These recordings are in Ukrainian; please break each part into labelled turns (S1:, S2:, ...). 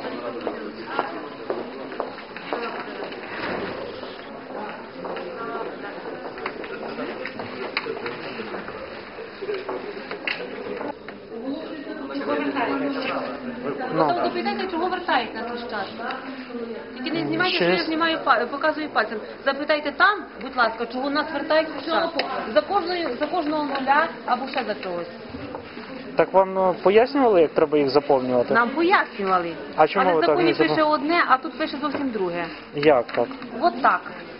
S1: Потім запитайте, чого вертають на Хрещатик. Тільки не знімайте, що я знімаю, показую пальцем. Запитайте там, будь ласка, чого нас вертають Хрещатик. За кожного нуля або ще за чогось.
S2: Так вам пояснювали, як треба їх заповнювати?
S1: Нам пояснювали.
S2: А чому
S1: але
S2: ви
S1: в
S2: так не
S1: законі пише одне, а тут пише зовсім друге.
S2: Як так?
S1: От так.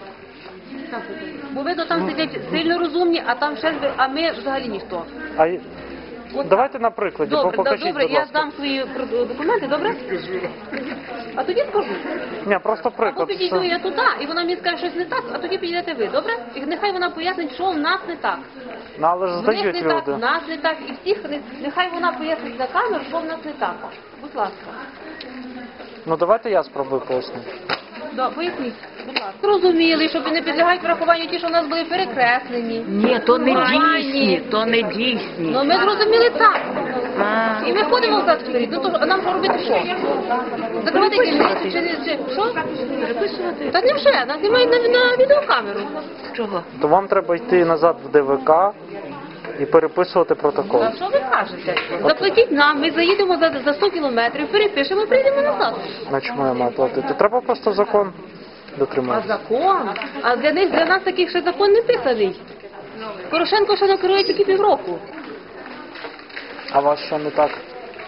S1: Бо видно, там сидять сильно розумні, а там ще, а ми взагалі ніхто.
S2: Давайте на прикладі, покажіть,
S1: добре,
S2: будь ласка.
S1: я дам свої документи, добре? А тоді скажу.
S2: Ні, просто
S1: Або
S2: приклад.
S1: підійду я туди, і вона мені скаже щось не так, а тоді підійдете ви, добре? І нехай вона пояснить, що в нас не так.
S2: Ну, але ж
S1: В них
S2: здають
S1: не так, в
S2: люди.
S1: нас не так, і всіх, нехай вона пояснить на камеру, що в нас не так. Будь ласка.
S2: Ну давайте я спробую пояснити.
S1: Да, поясніть, будь ласка. Розуміли, що не підлягають врахуванню ті, що в нас були перекреслені.
S3: Ні, то не дійсні, то не дійсні.
S1: Ну ми зрозуміли так. І ми ходимо в вперед. Ну то нам що робити що? Закривати дільницю чи що? Переписувати. Та не вже, нас знімають на відеокамеру.
S3: Чого?
S2: То вам треба йти назад в ДВК і переписувати протокол.
S1: А що ви кажете? Заплатіть нам, ми заїдемо за 100 кілометрів, перепишемо і прийдемо назад.
S2: На чому я маю платити? Треба просто закон
S1: А
S2: дотриматися.
S1: закон? А для нас таких ще закон не писаний. Порошенко ще не керує тільки півроку.
S2: А вас що не так?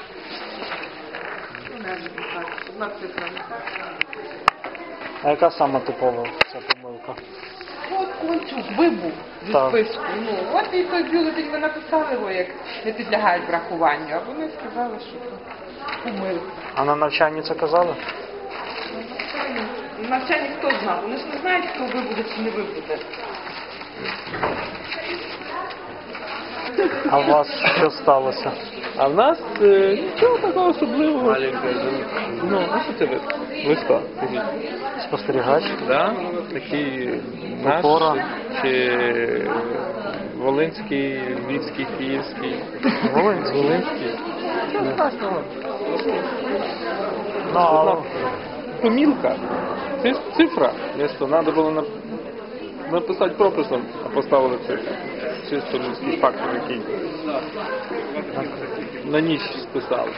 S2: А яка саме типова ця помилка?
S4: От Кончук вибув зі
S2: Так.
S4: списку. Ну, от і той бюлетень ми написали його, як не підлягають врахуванню. А вони сказали, що це помилка.
S2: А на навчанні це казали?
S4: На навчанні хто знав? Вони ж не знають, хто вибуде чи не вибуде.
S2: А у вас що сталося?
S5: А в нас нічого такого особливого. Ну, а що це ви? Ви хто? Скажіть.
S2: Спостерігач?
S5: Да? Такий наш
S2: Опора.
S5: чи Волинський, Львівський, Київський?
S2: Волинський.
S5: Волинський. Нічого страшного.
S2: Ну, але...
S5: Помілка. Це ж цифра. Місто. Треба було написати прописом, а поставили цифру. Чисто людський фактор, який на ніч списали.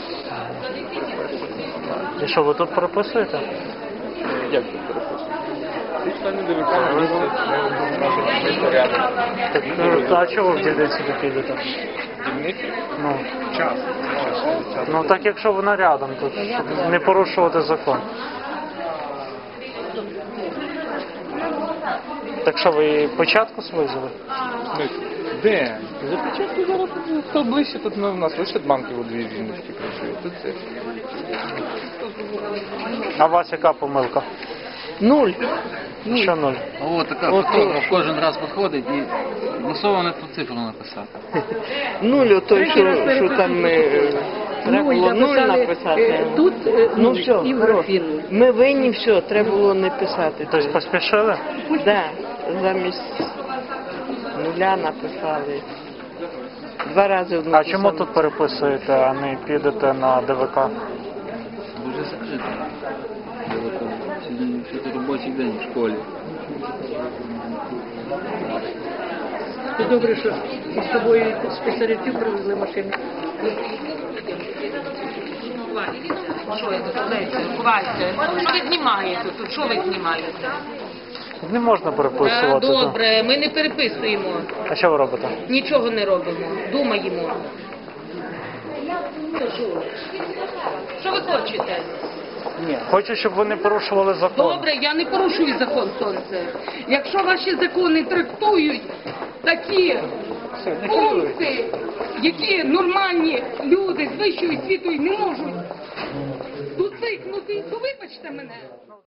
S2: І що, ви тут переписуєте?
S5: Як це переписуємо? Ці члени ДВК на місце рядом.
S2: Так, а чого ви в дільниці не підете?
S5: Дільниці?
S2: Ну, ну так якщо вона рядом, то щоб не порушувати закон. Так що, ви початку свизили?
S5: Де? За початку зараз хто ближче, тут у нас лише банки у дві жіночки працюють. Тут це.
S2: А у вас яка помилка?
S3: Нуль.
S2: Що нуль?
S6: О, така фотограф кожен раз виходить і масово ту цифру написати.
S3: Нуль, той, що там треба було нуль написати.
S7: Тут
S3: Ну все,
S7: і в
S3: ми винні, все, треба було не писати.
S2: Тобто поспішили?
S3: Да, замість нуля написали. 2 рази одну.
S2: А чому тут переписуєте, а не підете на ДВК?
S6: Дуже закрито. Сьогодні робочий день в школі.
S7: Це добре, що з собою спеціалістів привезли машини.
S1: Що я тут знаєте? Ховайте. Що ви знімаєте тут? Що ви знімаєте?
S2: Не можна переписувати. то.
S1: Добре, ми не переписуємо.
S2: А що ви робите?
S1: Нічого не робимо. Думаємо. Що ви хочете?
S2: Хочу, щоб ви не порушували закон.
S8: Добре, я не порушую закон, сонце. Якщо ваші закони трактують такі пункти, які нормальні люди з вищою освітою не можуть доцикнути, то вибачте мене.